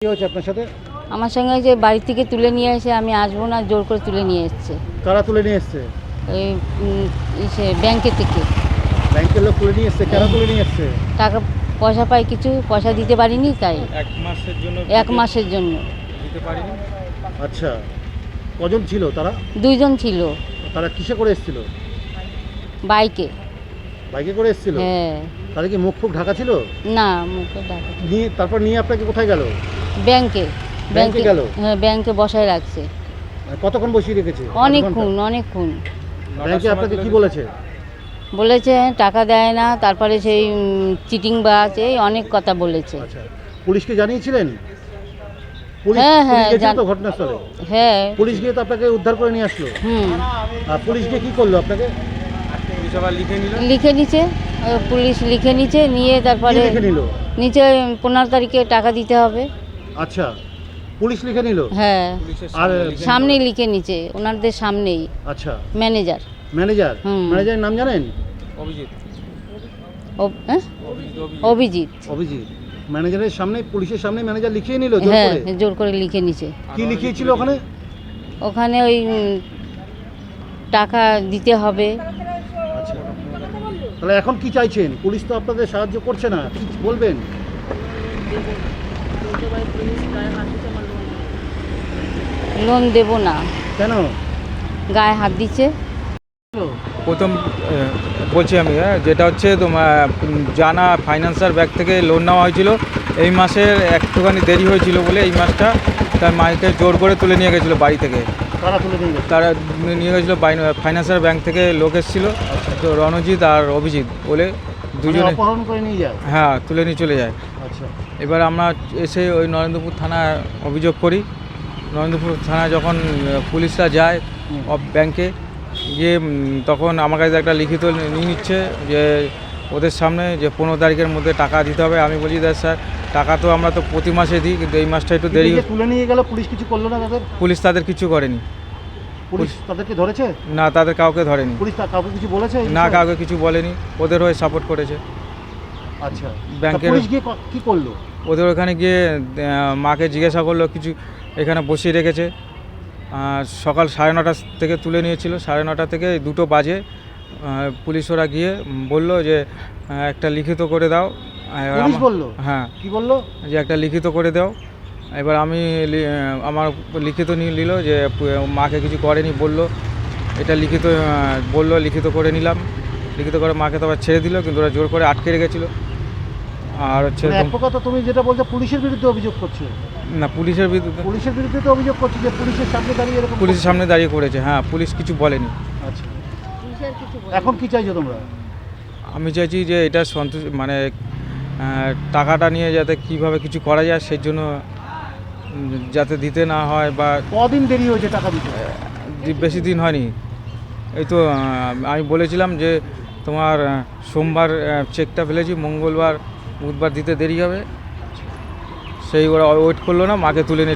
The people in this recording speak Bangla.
কি হয়েছে আপনার সাথে? আমার সঙ্গে যে বাড়ি থেকে তুলে নিয়ে এসে আমি আসবো না জোর করে তুলে নিয়ে এসছে কারা তুলে নিয়ে এসছে? ওই ব্যাংকের থেকে ব্যাংকের লোক তুলে নিয়ে এসছে? কারা তুলে নিয়ে এসছে? টাকা পয়সা পাই, কিছু পয়সা দিতে পারিনি, তাই এক মাসের জন্য এক মাসের জন্য দিতে পারিনি। আচ্ছা, কজন ছিল তারা? 2 জন ছিল তারা কিসে করে এসেছিল? বাইকে। বাইকে করে এসেছিল? হ্যাঁ। তাদের কি মুখ ফুক ঢাকা ছিল? না, মুখে ডাকা। নিয়ে তারপর নিয়ে আপনাকে কোথায় গেল? ব্যাংকে। ব্যাংকে গেল? হ্যাঁ, ব্যাংকে বসায় রাখছে কতক্ষণ বসিয়ে রেখেছে? অনেকক্ষণ। ব্যাংকে আপনাকে কি বলেছে? বলেছে টাকা দেয় না, তারপরে সেই চিটিং বাজ, এই অনেক কথা বলেছে। আচ্ছা, পুলিশকে জানিয়েছিলেন? পুলিশ হ্যাঁ, পুলিশ হ্যাঁ, গেছিল তো ঘটনাস্থলে? হ্যাঁ। পুলিশ গিয়ে তো আপনাকে উদ্ধার করে নিয়ে আসলো। আর পুলিশ গিয়ে কি করলো আপনাকে? পুলিশ আবার লিখে নিল। লিখে নিচে পুলিশ লিখে নিচে নিয়ে কি তারপরে লিখে নিল? নিচে 15 তারিখে টাকা দিতে হবে। আচ্ছা, পুলিশ লিখে নিল? হ্যাঁ, পুলিশের আর সামনেই লিখে নিচে, ওনাদের সামনেই। আচ্ছা, ম্যানেজার। ম্যানেজার? ম্যানেজারের নাম জানেন? অভিজিৎ। অভিজিৎ। অভিজিৎ। ম্যানেজারের সামনে, পুলিশের সামনে ম্যানেজার লিখিয়ে নিল জোর হ্যাঁ, করে? জোর করে লিখে নিচে। কি লিখিয়েছিল ওখানে? ওখানে ওই টাকা দিতে হবে। আচ্ছা, তাহলে এখন কি চাইছেন? পুলিশ তো আপনাদের সাহায্য করছে না, কি বলবেন? লোন দেব না, কেন? গায়ে হাত দিচ্ছে। প্রথম বলছি আমি, যেটা হচ্ছে তোমার জানা ফাইন্যান্সার ব্যাংক থেকে লোন নেওয়া হয়েছিল। এই মাসের একটুখানি দেরি হয়েছিল বলে এই মাসটা তার মাইকে জোর করে তুলে নিয়ে গেছিলো বাড়ি থেকে। কারা তুলে নিয়ে গেছে? তারা নিয়ে গেছিলো ফাইন্যান্সার ব্যাংক থেকে লোক এসেছিলো, তো রণজিৎ আর অভিজিৎ বলে দুজনে। অপহরণ করে নিয়ে যায়? হ্যাঁ, তুলে নিয়ে চলে যায়। আচ্ছা, এবার আমরা এসে ওই নরেন্দ্রপুর থানায় অভিযোগ করি। নরেন্দ্রপুর থানায় যখন পুলিশরা যায় ব্যাংকে গিয়ে, তখন আমার কাছে একটা লিখিত নিয়ে নিচ্ছে যে ওদের সামনে যে 15 তারিখের মধ্যে টাকা দিতে হবে। আমি বলি স্যার, টাকা তো আমরা তো প্রতি মাসে দিই, কিন্তু এই মাসটা একটু দেরি। তুলে নিয়ে গেল, পুলিশ কিছু করলো না তাদের? পুলিশ তাদের কিছু করেনি। পুলিশ তাদেরকে ধরেছে? না, তাদের কাউকে ধরেনি। পুলিশ কাউকে কিছু বলেছে? না, কাউকে কিছু বলেনি, ওদের হয়ে সাপোর্ট করেছে। আচ্ছা, ব্যাংকের পুলিশ গিয়ে কি করলো? ওদের ওখানে গিয়ে মাকে জিজ্ঞাসা করলো, কিছু এখানে বসিয়ে রেখেছে। সকাল 9:30 থেকে তুলে নিয়েছিল, 9:30 থেকে 2টো বাজে পুলিশ ওরা গিয়ে বললো যে একটা লিখিত করে দাও। পুলিশ বললো? হ্যাঁ। কি বললো? যে একটা লিখিত করে দাও। এবার আমি আমার লিখিত নিয়ে নিল যে মাকে কিছু করেনি বললো, এটা লিখিত বললো, লিখিত করে নিলাম। লিখিত করে মাকে তো আবার ছেড়ে দিল, কিন্তু ওরা জোর করে আটকে রেখেছিল। আর হচ্ছে এক প্রকার তো তুমি যেটা বলছো পুলিশের বিরুদ্ধে অভিযোগ করছো? না, পুলিশের বিরুদ্ধে। পুলিশের বিরুদ্ধে তো অভিযোগ করছো যে পুলিশের সামনে দাঁড়িয়ে এরকম? পুলিশের সামনে দাঁড়িয়ে করেছে, হ্যাঁ, পুলিশ কিছু বলেনি। আচ্ছা, এখন কি চাইছো তোমরা? আমি চাইছি যে এটা মানে টাকাটা নিয়ে যাতে কিভাবে কিছু করা যায়, সেই জন্য যাতে দিতে না হয়। বা কদিন দেরি হয়েছে টাকা দিতে? বেশি দিন হয়নি। এই তো আমি বলেছিলাম যে তোমার সোমবার চেকটা ফেলেছি, মঙ্গলবার বুধবার দিতে দেরি হবে। সেই ওরা ওয়েট করলো না, মাকে তুলে নিয়ে